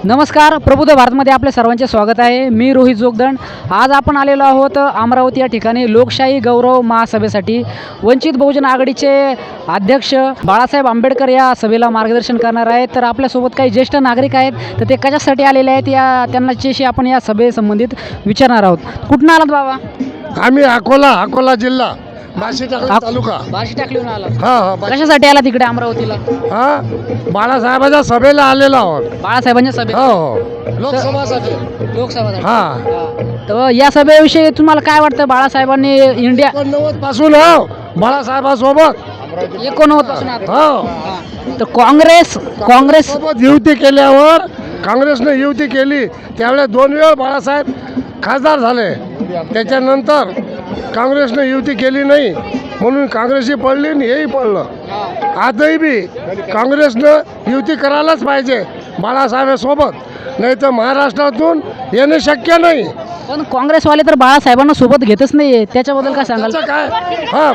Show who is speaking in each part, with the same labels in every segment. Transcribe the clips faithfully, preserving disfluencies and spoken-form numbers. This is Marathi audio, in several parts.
Speaker 1: नमस्कार, प्रबुद्ध भारतमध्ये आपले सर्वांचे स्वागत आहे। मी रोहित जोगदंड। आज आपण आलेलो आहोत अमरावती या ठिकाणी लोकशाही गौरव महासभेसाठी। वंचित बहुजन आघाडीचे अध्यक्ष बाळासाहेब आंबेडकर या सभेला मार्गदर्शन करणार आहेत। तर आपल्यासोबत काही ज्येष्ठ नागरिक आहेत, तर ते कशासाठी आलेले आहेत या त्यांच्याशी आपण या सभेसंबंधित विचारणार आहोत। कुठून आलात बाबा?
Speaker 2: आम्ही अकोला अकोला जिल्हा बार्शी टाकली तालुका
Speaker 1: बार्शी टाकलीहून आलात?
Speaker 2: हां हां बा-
Speaker 1: कशासाठी आला तिकडे अमरावतीला?
Speaker 2: हां बाळासाहेबाच्या सभेला आलेलो आहोत।
Speaker 1: बाळासाहेबांच्या सभेत?
Speaker 2: हो हो लोकसभासाठी
Speaker 1: लोकसभा?
Speaker 2: हां
Speaker 1: तर या सभेविषयी तुम्हाला काय वाटतं? बाळासाहेबांनी इंडिया
Speaker 2: एकोणनव्वद पासून हो बाळासाहेबासोबत
Speaker 1: एकोणनव्वद पासून आता?
Speaker 2: हो
Speaker 1: तर काँग्रेस काँग्रेस
Speaker 2: सोबत युती केल्यावर काँग्रेसने युती केली त्यावेळेस दोन वेळ बाळासाहेब खासदार झाले। त्याच्यानंतर काँग्रेसने युती केली नाही म्हणून काँग्रेसही पडली आणि हेही पडलं। आजही बी काँग्रेसनं युती करायलाच पाहिजे बाळासाहेबासोबत, नाही तर महाराष्ट्रातून येणे शक्य नाही।
Speaker 1: पण काँग्रेसवाले तर बाळासाहेबांना सोबत घेतच नाहीये, त्याच्याबद्दल काय सांगाल?
Speaker 2: त्याचं काय हां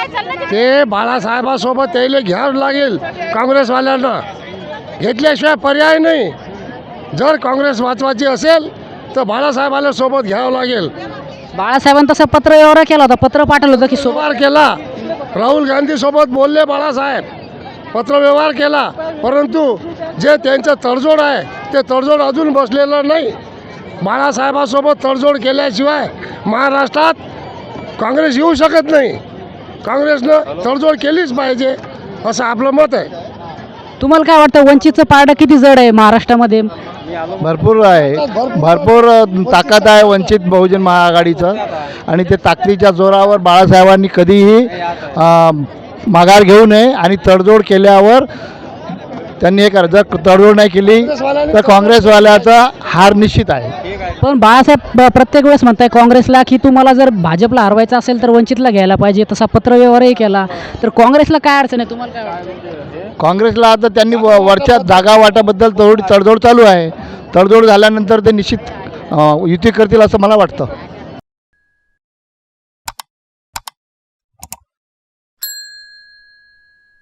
Speaker 2: ते बाळासाहेबासोबत त्याला घ्यावं लागेल काँग्रेसवाल्यांना, घेतल्याशिवाय पर्याय नाही। जर काँग्रेस वाचवायची असेल तर बाळासाहेबाला सोबत घ्यावं लागेल।
Speaker 1: बाळासाहेबांनी तसं पत्र व्यवहार केला होता, पत्र पाठवलं होतं की सोबत
Speaker 2: व्यवहार केला, राहुल गांधी सोबत बोलले बाळासाहेब, पत्रव्यवहार केला, परंतु जे त्यांचं तडजोड आहे ते तडजोड अजून बसलेलं नाही। बाळासाहेबासोबत तडजोड केल्याशिवाय महाराष्ट्रात काँग्रेस येऊ शकत नाही। काँग्रेसनं तडजोड केलीच पाहिजे असं आपलं मत आहे।
Speaker 1: तुम्हाला काय वाटतं वंचितचं पारडं किती जड आहे महाराष्ट्रामध्ये?
Speaker 3: भरपूर आहे, भरपूर ताकद आहे वंचित बहुजन महाआघाडीचं आणि ते ताकदीच्या जोरावर बाळासाहेबांनी कधीही अ, माघार घेऊ नये आणि तडजोड केल्यावर त्यांनी हे करा, जर तडजोड नाही केली तर काँग्रेसवाल्याचा हार निश्चित आहे।
Speaker 1: पण बाळासाहेब ब- प्रत्येक वेळेस म्हणताय काँग्रेसला की तुम्हाला जर भाजपला हरवायचं असेल तर वंचितला घ्यायला पाहिजे, तसा पत्रव्यवहारही केला, तर काँग्रेसला काय अडचण आहे? तुम्हाला काय वाटतं?
Speaker 3: काँग्रेसला आता त्यांनी व- वरच्या जागा वाटाबद्दल थोडी तडजोड चालू आहे, तडजोड झाल्यानंतर ते निश्चित अ, युती करतील असं मला वाटतं।